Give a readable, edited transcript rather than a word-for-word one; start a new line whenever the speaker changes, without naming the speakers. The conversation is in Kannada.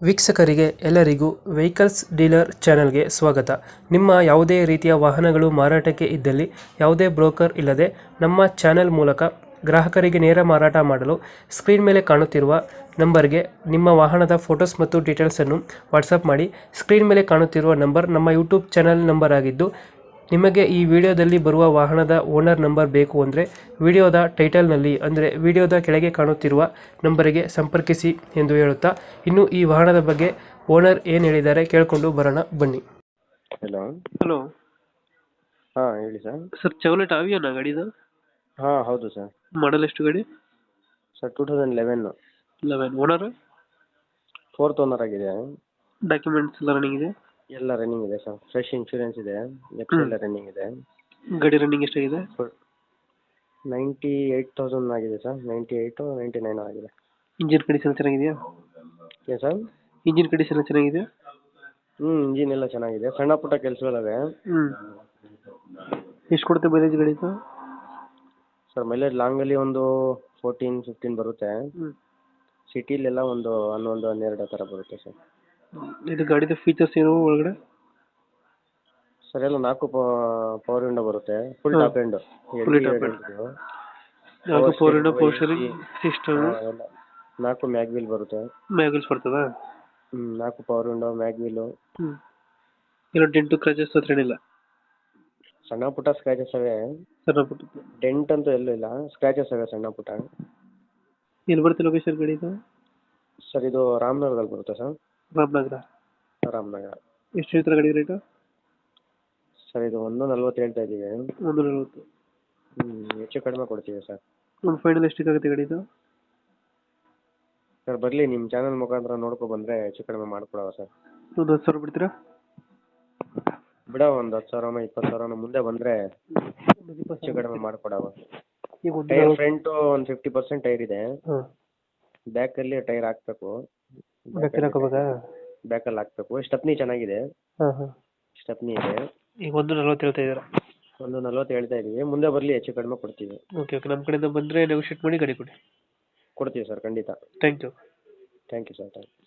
ವೀಕ್ಷಕರಿಗೆ ಎಲ್ಲರಿಗೂ ವೆಹಿಕಲ್ಸ್ ಡೀಲರ್ ಚಾನೆಲ್ಗೆ ಸ್ವಾಗತ. ನಿಮ್ಮ ಯಾವುದೇ ರೀತಿಯ ವಾಹನಗಳು ಮಾರಾಟಕ್ಕೆ ಇದ್ದಲ್ಲಿ ಯಾವುದೇ ಬ್ರೋಕರ್ ಇಲ್ಲದೆ ನಮ್ಮ ಚಾನೆಲ್ ಮೂಲಕ ಗ್ರಾಹಕರಿಗೆ ನೇರ ಮಾರಾಟ ಮಾಡಲು ಸ್ಕ್ರೀನ್ ಮೇಲೆ ಕಾಣುತ್ತಿರುವ ನಂಬರ್ಗೆ ನಿಮ್ಮ ವಾಹನದ ಫೋಟೋಸ್ ಮತ್ತು ಡೀಟೇಲ್ಸನ್ನು ವಾಟ್ಸಪ್ ಮಾಡಿ. ಸ್ಕ್ರೀನ್ ಮೇಲೆ ಕಾಣುತ್ತಿರುವ ನಂಬರ್ ನಮ್ಮ ಯೂಟ್ಯೂಬ್ ಚಾನೆಲ್ ನಂಬರ್ ಆಗಿದ್ದು, ನಿಮಗೆ ಈ ವಿಡಿಯೋದಲ್ಲಿ ಬರುವ ವಾಹನದ ಓನರ್ ನಂಬರ್ ಬೇಕು ಅಂದರೆ ವಿಡಿಯೋದ ಟೈಟಲ್ನಲ್ಲಿ ಅಂದರೆ ವಿಡಿಯೋದ ಕೆಳಗೆ ಕಾಣುತ್ತಿರುವ ನಂಬರಿಗೆ ಸಂಪರ್ಕಿಸಿ ಎಂದು ಹೇಳುತ್ತಾ, ಇನ್ನು ಈ ವಾಹನದ ಬಗ್ಗೆ ಓನರ್ ಏನು ಹೇಳಿದ್ದಾರೆ ಕೇಳಿಕೊಂಡು ಬರೋಣ ಬನ್ನಿ.
ಹಲೋ.
ಹಲೋ
ಹಾಂ ಹೇಳಿ ಸರ್.
ಸರ್, ಚಾವ್ಲೆಟ್ ಆವಿಯೋನಾ ಗಾಡಿದು?
ಹಾಂ ಹೌದು ಸರ್.
ಮಾಡಲ್ ಎಷ್ಟು ಗಾಡಿ?
ಸರ್ 2011
11. ಓನರ್?
4th ಓನರ್ ಆಗಿದೆ.
ಡಾಕ್ಯುಮೆಂಟ್ಸ್ ಎಲ್ಲ ರನ್ನಿಂಗ್ ಇದೆ?
ಎಲ್ಲ ರನ್ನಿಂಗ್ ಇದೆ ಸರ್. ಫ್ರೆಶ್ ಇನ್ಶೂರೆನ್ಸ್ ಇದೆ. ಎಲ್ಲ ರನ್ನಿಂಗ್ ಇದೆ.
ಗಾಡಿ ರನ್ನಿಂಗ್ ಎಷ್ಟಾಗಿದೆ?
98,000 ಆಗಿದೆ ಸರ್. 98 99 ಆಗಿದೆ.
ಇಂಜಿನ್ ಕಂಡೀಷನ್ ಚೆನ್ನಾಗಿದೆಯಾ?
ಏನು ಸರ್?
ಇಂಜಿನ್ ಕಂಡೀಷನ್ ಚೆನ್ನಾಗಿದೆಯಾ?
ಇಂಜಿನ್ ಎಲ್ಲ ಚೆನ್ನಾಗಿದೆ. ಸಣ್ಣ ಪುಟ್ಟ ಕೆಲಸಗಳಿವೆ.
ಎಷ್ಟು ಕೊಡುತ್ತೆ ಮೈಲೇಜ್ ಗಾಡಿದು?
ಸರ್ ಮೈಲೇಜ್ ಲಾಂಗಲ್ಲಿ ಒಂದು 14-15 ಬರುತ್ತೆ. ಸಿಟಿಲೆಲ್ಲ ಒಂದು 11-12 ಥರ ಬರುತ್ತೆ ಸರ್.
ಇದು ಗಾಡಿದು ಫೀಚರ್ಸ್ ಏನು ಒಳಗಡೆ?
ಸರ್ ಎಲ್ಲ 4 ಪವರ್ ವಿಂಡೋ ಬರುತ್ತೆ. Full top end.
Four window, power steering system,
4 mag wheel ಬರುತ್ತೆ.
ಮ್ಯಾಗಲ್ಸ್ ಬರ್ತದಾ?
4 ಪವರ್ ವಿಂಡೋ, ಮ್ಯಾಗ್ ವೀಲು.
ಏನೋ ಡೆಂಟು ಕ್ರಾಚಸ್ ಹತ್ರ ಏನಿಲ್ಲ?
ಸಣ್ಣ ಪುಟ್ಟ ಸ್ಕ್ರಾಚಸ್ ಅವೆ.
ಸಣ್ಣ ಪುಟ್ಟ
ಡೆಂಟ್ ಅಂತೂ ಎಲ್ಲೂ ಇಲ್ಲ, ಸ್ಕ್ರಾಚಸ್ ಅವೆ ಸಣ್ಣ ಪುಟ್ಟ.
ಎಲ್ಲಿ ಬರುತ್ತೆ ಲೊಕೇಶನ್ ಗಾಡಿ ಇದು?
ಸರ್ ಇದು ರಾಮನಗರದಲ್ಲಿ ಬರುತ್ತೆ ಸರ್.
ರಾಮನಗರ.
ರಾಮನಗರ.
ಎಷ್ಟು ಹೇಳ್ತಾರೆ ಗಾಡಿ ರೇಟು?
ಸರ್ ಇದು 140 ಹೇಳ್ತಾ ಇದ್ದೀವಿ.
140.
ಹೆಚ್ಚು ಕಡಿಮೆ ಕೊಡ್ತೀವಿ ಸರ್.
ಒಂದು ಫೈನಲ್ ಎಷ್ಟಕ್ಕಾಗುತ್ತೆ ಗಾಡಿ ಇದು?
ಸರ್ ಬರಲಿ, ನಿಮ್ಮ ಚಾನಲ್ ಮುಖಾಂತರ ನೋಡ್ಕೊ ಬಂದರೆ ಹೆಚ್ಚು ಕಡಿಮೆ ಮಾಡ್ಕೊಡವ ಸರ್.
ಒಂದು 10,000 ಬಿಡ್ತೀರಾ?
ಬಿಡ, ಒಂದು 10,000 20,000 ಮುಂದೆ ಬಂದರೆ ಹೆಚ್ಚು ಕಡಿಮೆ ಮಾಡ್ಕೊಡವ.
ಈಗ
ಟೈರ್ ಫ್ರಂಟು ಒಂದು 50% ಟೈರ್ ಇದೆ.
ಹಾಂ.
ಬ್ಯಾಕಲ್ಲಿ ಟೈರ್ ಹಾಕ್ಬೇಕು.
ಬ್ಯಾಕಲ್ಲಿ ಹಾಕೋಬೇಕಾ?
ಬ್ಯಾಕಲ್ಲಿ ಹಾಕ್ಬೇಕು. ಸ್ಟೆಪ್ನಿ ಚೆನ್ನಾಗಿದೆ.
ಹಾಂ.
ಸ್ಟೆಪ್ನಿ ಇದೆ.
ಈಗ 140 ಹೇಳ್ತಾ ಇದ್ದೀರಾ?
140 ಹೇಳ್ತಾ ಇದ್ದೀವಿ. ಮುಂದೆ ಬರಲಿ, ಹೆಚ್ಚು ಕಡಿಮೆ ಕೊಡ್ತೀವಿ.
ಓಕೆ, ನಮ್ಮ ಕಡೆಯಿಂದ ಬಂದರೆ ನೆಗೋಷಿಯೇಟ್ ಮಾಡಿ ಗಾಡಿ ಕೊಡಿ.
ಕೊಡ್ತೀವಿ ಸರ್, ಖಂಡಿತ.
Thank you.
Thank you sir.